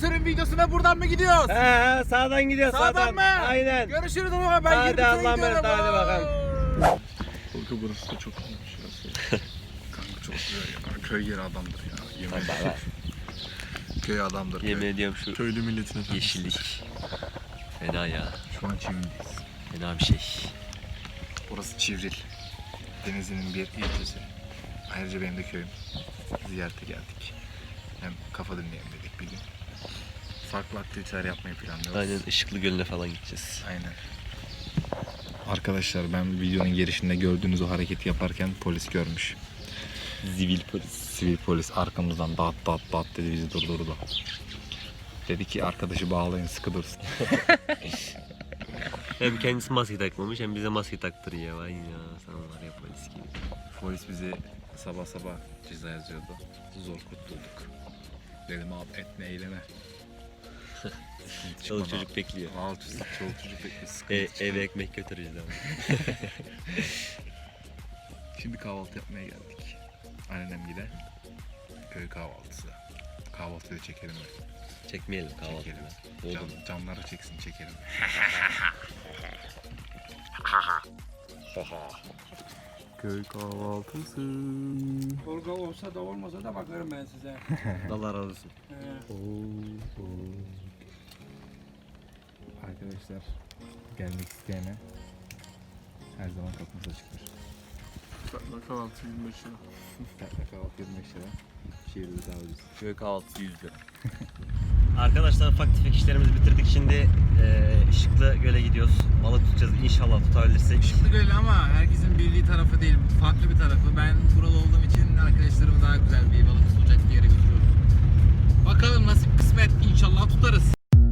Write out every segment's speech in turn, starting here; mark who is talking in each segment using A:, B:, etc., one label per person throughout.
A: turun videosuna buradan mı gidiyoruz?
B: He sağdan gidiyor
A: Sağdan mı?
B: Aynen.
A: Görüşürüz ama ben
B: Hadi
A: 20 tura
B: Allah'a emanet,
A: gidiyorum.
B: hadi bakalım.
C: Kanka burası da çok iyiymiş ya. Kanka çok güzel ya. Köy yeri adamdır ya. Yemin ederim. Köy adamdır.
B: Yemin
C: Köy.
B: ediyorum şu
C: Köylü milletin efendisidir.
B: yeşillik. Fena ya.
C: Şu an Çivril'deyiz.
B: Fena bir şey.
C: Burası Çivril. Denizli'nin bir ilçesi. Ayrıca benim de köyüm. Ziyarete geldik. Hem kafa dinleyelim dedik bir gün. Farklı aktiviteler yapmayı planlıyoruz.
B: Aynen Işıklı Gölü'ne falan gideceğiz.
C: Aynen. Arkadaşlar ben videonun girişinde gördüğünüz o hareketi yaparken polis görmüş.
B: Zivil polis.
C: Sivil polis arkamızdan dat dat dat dedi, bizi durdurdu. Dedi ki arkadaşı bağlayın, sıkı dursun.
B: Hem kendisi maske takmamış hem bize maske taktırıyor. Vay ya sana var ya polis gibi.
C: Polis bizi sabah sabah ceza yazıyordu. Zor kurtulduk. Dedim abi etme eyleme.
B: Çoluk çocuk bekliyor.
C: Alt üstü çoluk çocuk bekliyor. Sıkıntı
B: Eve ekmek götüreceğiz ama.
C: Şimdi kahvaltı yapmaya geldik. Annem gide. Köy kahvaltısı. Kahvaltıyı da çekelim mi?
B: Çekmeyelim kahvaltıyı.
C: Çekelim. Canları çeksin, çekelim. Köy kahvaltısı.
A: Tolga olsa da olmasa da bakarım ben size.
B: Allah razı olsun.
C: Arkadaşlar gelmek isteyene her zaman kapımız açıktır.
D: Tatlı kahvaltı 25 lira.
C: Tatlı kahvaltı 25 lira. Şehirde daha ucuz.
B: Köy kahvaltısı 100 lira. Arkadaşlar ufak tefek işlerimizi bitirdik. Şimdi Işıklı Göl'e gidiyoruz. Balık tutacağız inşallah tutabilirsek.
A: Işıklı Göl ama herkesin bildiği tarafı değil. Farklı bir tarafı. Ben buralı olduğum için arkadaşlarımı daha güzel bir balık tutacak bir yere götürüyorum. Bakalım nasip kısmet, inşallah tutarız.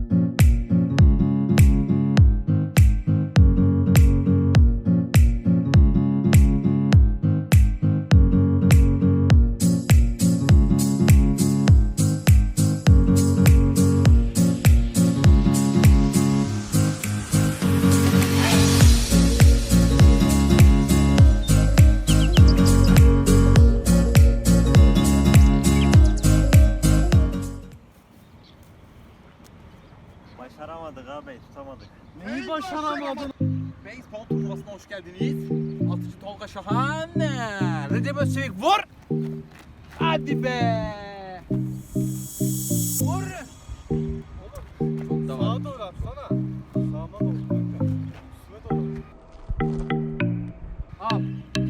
B: Başaramadık abi, tutamadık.
A: Neyi başaramadın? Beyzbol turnuvasına hoş geldiniz. Atıcı Tolga Şahan. Recep Özçevik vur. Hadi be. Vur. Çok da var.
D: Sağa doğru atsana. Sağdan doğru kanka. Üstüne doğru.
A: Al.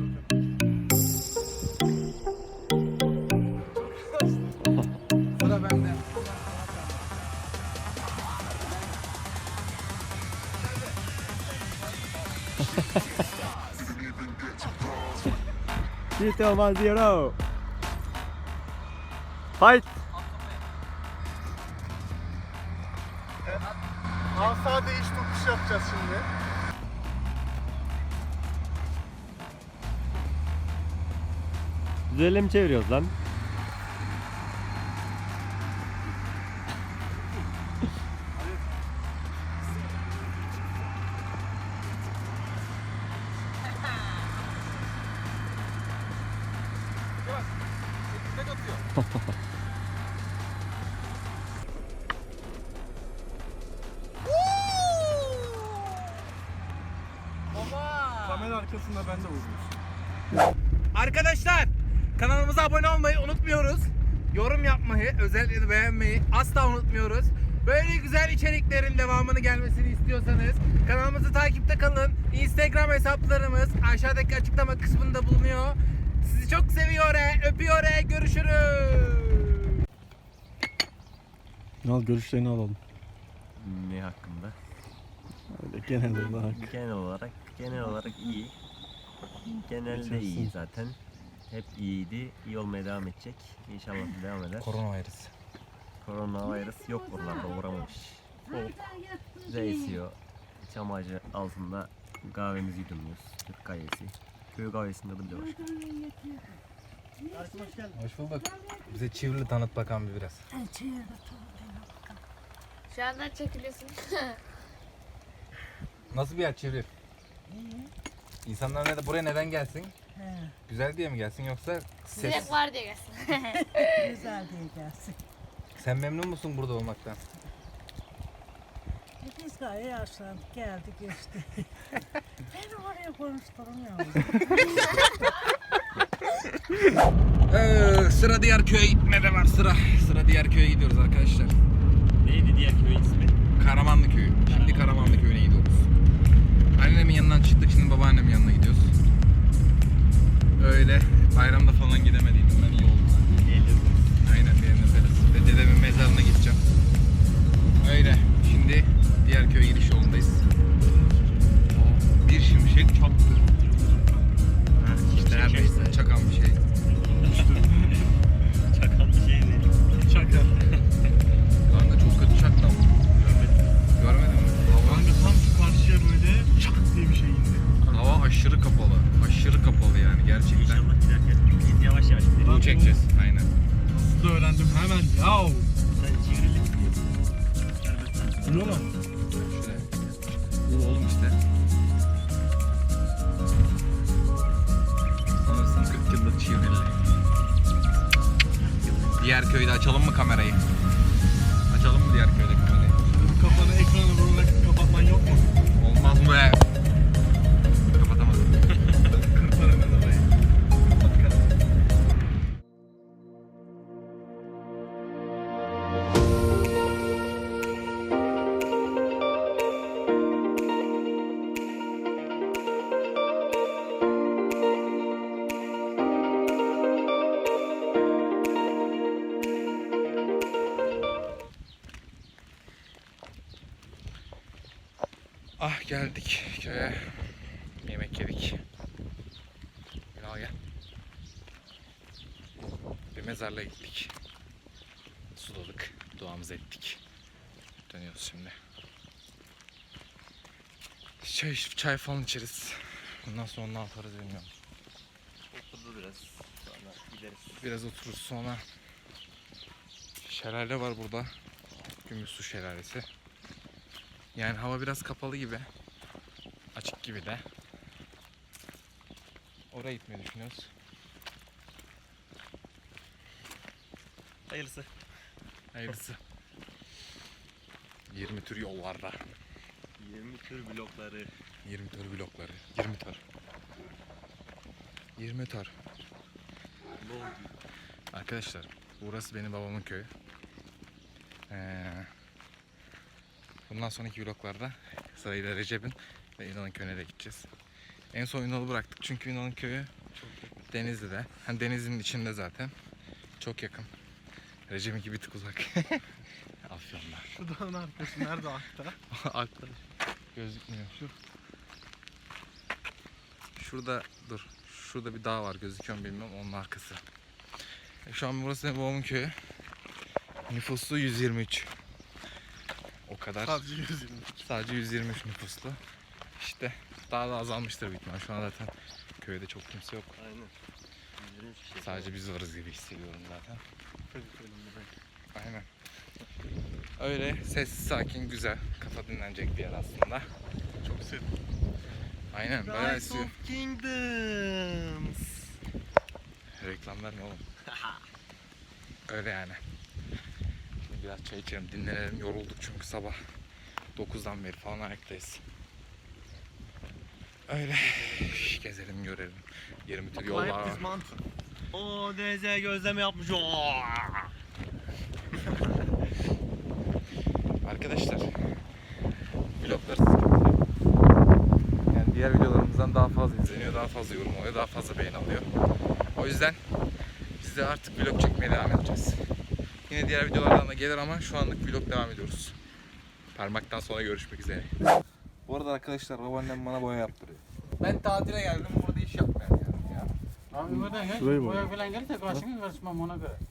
A: Sıra bende.
B: Tito 1-0. Fight.
D: Asa değiş tokuş yapacağız şimdi.
B: Düzelle mi çeviriyoruz lan?
D: Kamera arkasında ben de vurmuşum.
A: Arkadaşlar kanalımıza abone olmayı unutmuyoruz. Yorum yapmayı, özellikle de beğenmeyi asla unutmuyoruz. Böyle güzel içeriklerin devamını gelmesini istiyorsanız kanalımızı takipte kalın. Instagram hesaplarımız aşağıdaki açıklama kısmında bulunuyor. Sizi çok seviyor, öpüyor, görüşürüz.
D: Al görüşlerini alalım.
B: Ne hakkında?
D: Öyle genel olarak.
B: Genel olarak iyi. Genelde iyi zaten. Hep iyiydi. İyi olmaya devam edecek. İnşallah devam eder. Koronavirüs yok buralarda, uğramamış. Soğuk. Bize esiyor. Çam ağacı altında kahvemizi yudumluyoruz. Türk kahvesi. Köy kahvesinde de bile başka.
C: Hoş bulduk. Bize Çivrili tanıt bakalım bir biraz.
E: Şu anda çekiliyorsun.
C: Nasıl bir yer Çivril? İnsanlar buraya neden gelsin? Güzel diye mi gelsin yoksa ses?
E: Direkt var diye gelsin.
F: Güzel diye gelsin.
A: Sen memnun musun burada olmaktan?
E: Biz gayet yaşlandık, geldik işte. Beni oraya konuşturmuyor.
A: Sıra diğer köye gitmede var sıra. Sıra diğer köye gidiyoruz arkadaşlar.
B: Neydi diğer köyün ismi?
A: Karamanlı köyü. Şimdi Karamanlı köyüne gidiyoruz. Annemin yanından çıktık, şimdi babaannemin yanına gidiyoruz. Öyle bayramda falan gidemediydim ben, iyi oldu. Aynen, benim öperiz. Ve dedemin mezarına gideceğim. Öyle. Şimdi diğer köye gidiş yolundayız. Bir şimşek çaktı. Ha, işte neredeyse çakan bir şey.
B: Çakan bir şey değil.
D: Çakal.
A: Kanka çok kötü çaktı ama. Görmedin mi?
D: Kanka tam şu karşıya böyle çak diye bir şey indi.
A: Hava aşırı kapalı. Aşırı kapalı yani gerçekten.
B: İnşallah giderken biz yavaş yavaş gidelim.
A: Bu çekeceğiz. Aynen.
D: Nasıl da öğrendim hemen. Yav.
B: Sen çevrili gidiyorsun.
D: Bu ne lan?
A: Şöyle. Bu oğlum işte. Sanırsam 40 yıllık çivrili. Diğer köyde açalım mı kamerayı? Açalım mı diğer köyde kamerayı?
D: Kafanı ekranı vurarak kapatman yok mu?
A: Olmaz mı be? Kapatamadım.
D: Kırparım ben orayı.
A: Ah, geldik köye. Yemek yedik. Ünal gel. Bir mezarlığa gittik. Suladık. Duamızı ettik. Dönüyoruz şimdi. Çay falan içeriz. Bundan sonra ne yaparız bilmiyorum.
B: Oturdu biraz. Sonra gideriz.
A: Biraz otururuz sonra. Şelale var burada. Gümüşsu şelalesi. Yani hava biraz kapalı gibi. Açık gibi de. Oraya gitmeyi düşünüyoruz.
B: Hayırlısı.
A: Hayırlısı. 20 tür yollarda.
B: 20 tür blokları.
A: 20 tür blokları. 20 tür. 20 tür. Arkadaşlar, burası benim babamın köyü. Bundan sonraki vloglarda sırayla Recep'in ve Ünal'ın köyüne de gideceğiz. En son Ünal'ı bıraktık çünkü Ünal'ın köyü Denizli'de. Hani Denizli'nin içinde zaten. Çok yakın. Recep'inki bir tık uzak. Afyon'da.
D: Şu dağın arkası nerede akta?
A: Aklı gözükmüyor. Şurada dur. Şurada bir dağ var, gözüküyor mu bilmiyorum, onun arkası. Şu an burası benim babamın köyü. Nüfusu 123. O kadar.
D: Sadece 120.
A: Sadece 123 nüfuslu. İşte daha da azalmıştır büyük ihtimal. Şu an zaten köyde çok kimse yok.
B: Aynen. 120 kişi.
A: Sadece biz varız gibi hissediyorum zaten. Aynen. Öyle sessiz, sakin, güzel. Kafa dinlenecek bir yer aslında.
D: Çok serin.
A: Aynen, bayağı esiyor.
B: Kingdoms.
A: Reklam verme oğlum. Öyle yani. Şimdi biraz çay içelim, dinlenelim. Yorulduk çünkü sabah 9'dan beri falan ayaktayız. Öyle gezelim, görelim. 20 tür yol var.
B: O denize gözleme yapmış. Oo.
A: Arkadaşlar, vloglar yani diğer videolarımızdan daha fazla izleniyor, daha fazla yorum oluyor, daha fazla beğeni alıyor. O yüzden biz de artık vlog çekmeye devam edeceğiz. Yine diğer videolardan da gelir ama şu anlık vlog devam ediyoruz. Parmaktan sonra görüşmek üzere. Bu arada arkadaşlar, babaannem bana boya yaptırıyor. Ben tatile geldim, burada iş yapmaya geldim ya.
F: Abi buradan gel.
D: Şurayı mı?
F: Boya falan gelirse karşına karışmam ona göre.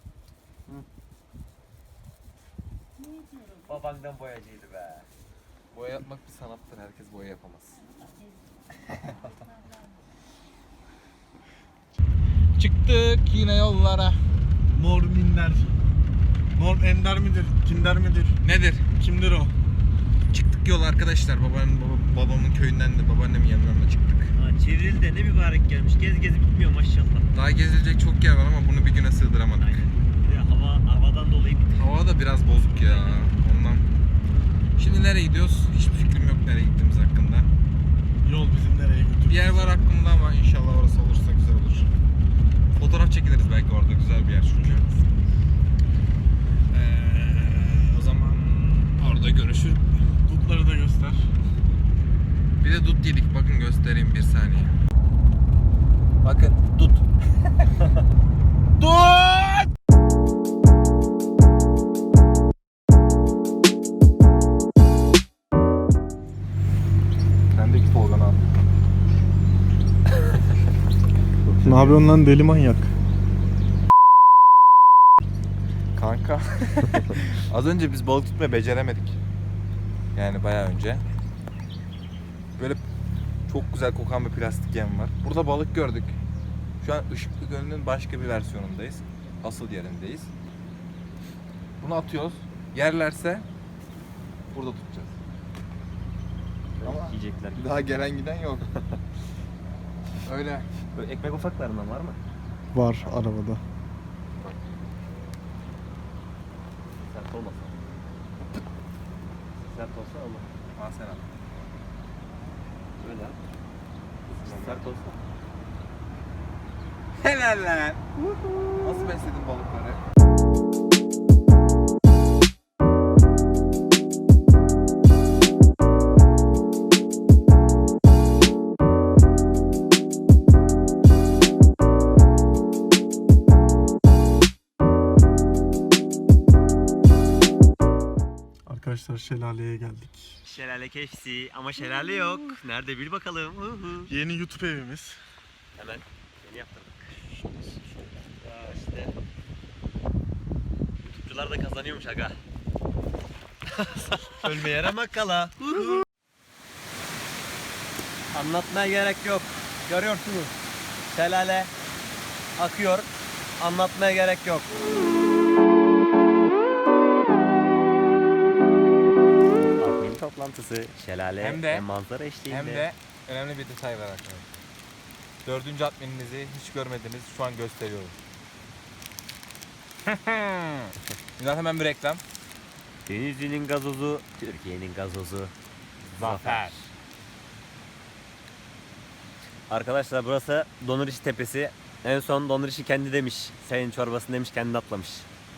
B: Babandan boyacıydı be.
A: Boya yapmak bir sanattır, herkes boya yapamaz. Çıktık yine yollara.
D: Mor minder. Mor ender midir? Kinder midir?
A: Nedir?
D: Kimdir o?
A: Çıktık yol arkadaşlar. Babamın köyünden de babaannemin yanından da çıktık.
B: Ha, Çivril'de ne mübarek gelmiş. Gez bitmiyor maşallah.
A: Daha gezilecek çok yer var ama bunu bir güne sığdıramadık.
B: Aynen. Bir de havadan dolayı bitti.
C: Hava da biraz bozuk ya. Ondan. Şimdi nereye gidiyoruz? Hiçbir fikrim yok nereye gittiğimiz hakkında.
D: Yol bizi nereye götürür?
C: Bir yer var aklımda ama inşallah orası olursa güzel olur. Fotoğraf çekiliriz belki orada, güzel bir yer çünkü. O zaman orada görüşür.
D: Dutları da göster.
C: Bir de dut yedik, bakın göstereyim bir saniye. Bakın dut. Dut! Sendeki Tolga'nı al.
D: Ne yapıyorsun lan deli manyak?
C: Kanka. Az önce biz balık tutmayı beceremedik. Yani bayağı önce. Böyle çok güzel kokan bir plastik yem var. Burada balık gördük. Şu an Işıklı Gölü'nün başka bir versiyonundayız. Asıl yerindeyiz. Bunu atıyoruz. Yerlerse burada tutacağız. Ama
B: Yiyecekler.
C: bir daha gelen giden yok. Öyle.
B: Böyle ekmek ufaklarından var mı?
D: Var arabada.
B: Sert olmasa. Sert olsa olur.
C: Al sen al.
B: Böyle al. Sert olsa.
C: Helal lan. Nasıl besledin balıkları?
D: Arkadaşlar şelaleye geldik.
B: Şelale keşsi ama şelale yok. Nerede bil bakalım.
D: Yeni YouTube evimiz.
B: Hemen yeni yaptırdık. Ya işte. YouTube'cular da kazanıyormuş aga. Ölmeye ramak kala. Anlatmaya gerek yok. Görüyorsunuz. Şelale akıyor. Anlatmaya gerek yok. Admin toplantısı, şelale
C: Hem de-
B: ve manzara eşliğinde.
C: Hem de önemli bir detay var arkadaşlar. 4. admininizi hiç görmediniz. Şu an gösteriyorum. Zaten hemen bir reklam.
B: Denizli'nin gazozu, Türkiye'nin gazozu.
C: Zafer.
B: Arkadaşlar burası Donuriş Tepesi. En son Donuriş'i kendi demiş. Senin çorbasını demiş, kendi atlamış.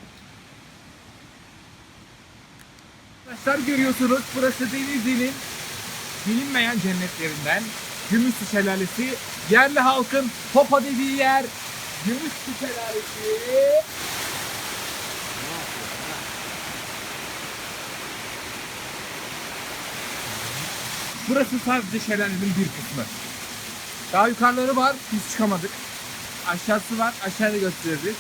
A: Arkadaşlar görüyorsunuz, burası Denizli'nin bilinmeyen cennetlerinden Gümüşlü Şelalesi. Yerli halkın hopa dediği yer Gümüşlü Şelalesi. Burası sadece şelalenin bir kısmı. Daha yukarıları var, biz çıkamadık. Aşağısı var, aşağıda gösteririz.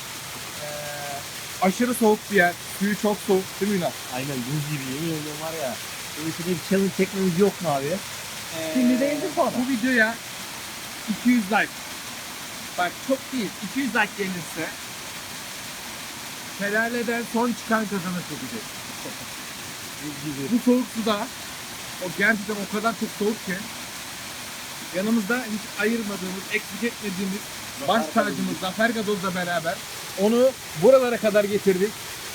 A: Aşırı soğuk bir yer, suyu çok soğuk değil mi Ünal?
G: Aynen buz gibi yemin ediyorum var ya. Böyle bir challenge çekmemiz yok mu abi?
A: Şimdi değildir sonra. Bu videoya 200 like. Bak çok değil, 200 like gelirse şelaleden son çıkan kazanır çekecek. Bu soğuk suda o gerçekten o kadar çok soğuk ki yanımızda hiç ayırmadığımız, eksik etmediğimiz baş tacımız Zafer Gazoz'la beraber onu buralara kadar getirdik.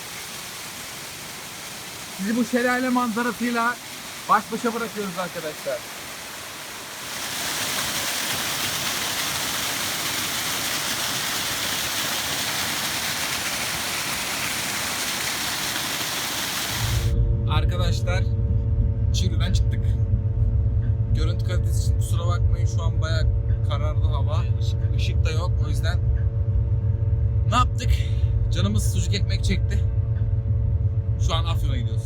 A: Sizi bu şelale manzarasıyla baş başa bırakıyoruz arkadaşlar. Arkadaşlar Çiğli'den çıktık. Görüntü kalitesi için kusura bakmayın, şu an bayağı karardı hava. Işık da yok, o yüzden ne yaptık? Canımız sucuk ekmek çekti. Şu an Afyon'a gidiyoruz.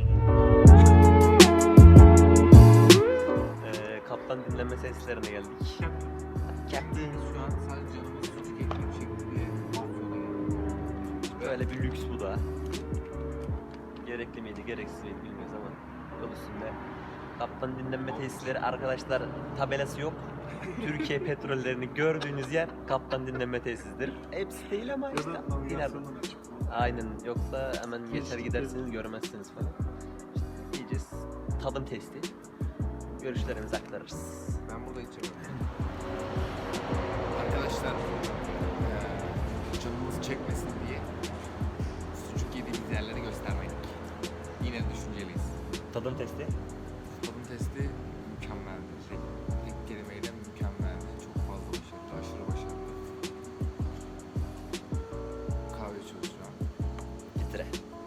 B: Kaptan dinlenme tesislerine geldik. Captain.
A: Şu an sadece canımız sucuk ekmek çekti diye Afyon'a geldik.
B: Böyle bir lüks bu da. Gerekli miydi, gereksiz miydi bilmiyoruz ama yol üstünde. Kaptan dinlenme tesisleri arkadaşlar, tabelası yok. Türkiye petrollerini gördüğünüz yer kaptan dinlenme tesisidir. Hepsi değil ama işte ileride. Aynen, yoksa hemen geçer gidersiniz görmezsiniz falan. İşte diyeceğiz, tadım testi. Görüşlerimizi aktarırız.
A: Ben burada içemiyorum. Arkadaşlar canımız çekmesin diye
C: gittiğimiz yerleri göstermek. Yine düşünceliyiz.
B: Tadım testi.
C: Tadım testi mükemmeldi. Tek kelimeyle mükemmeldi. Çok fazla başarılı, aşırı başarılı. Kahve içiyoruz şu an.
B: Getire.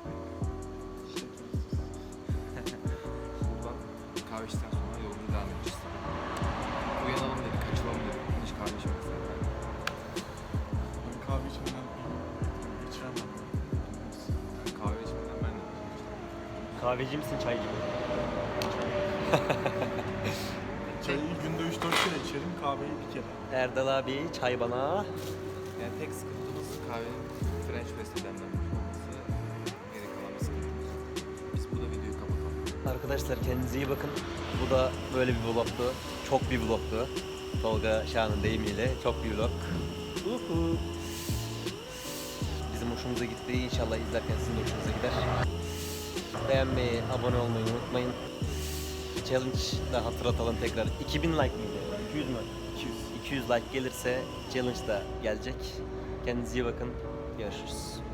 C: Buradan kahve içtikten sonra yolumuza devam edeceğiz. Uyanalım dedik, kaçalım dedik. Hiç kahve içmedik zaten.
D: Ben kahve içmeden içemem.
C: Yani kahve içmeden ben de
B: Kahveci misin, çaycı mı?
D: Çayı günde 3-4 kere içerim, kahveyi bir kere.
B: Erdal abi çay bana.
C: Yani tek sıkıntımız kahvenin French press'e demlenmiş olması. Geri kalan bir sıkıntımız. Biz burada videoyu kapatalım.
B: Arkadaşlar kendinize iyi bakın. Bu da böyle bir vlogtu. Çok bir vlogtu. Tolga Şahan'ın deyimiyle çok bir vlog. Uhu. Bizim hoşumuza gitti. İnşallah izlerken sizin de hoşunuza gider. Beğenmeyi, abone olmayı unutmayın. Challenge da hatırlatalım tekrar. 2000 like mıydı? 200 mü? 200 like gelirse challenge da gelecek. Kendinize iyi bakın. Görüşürüz.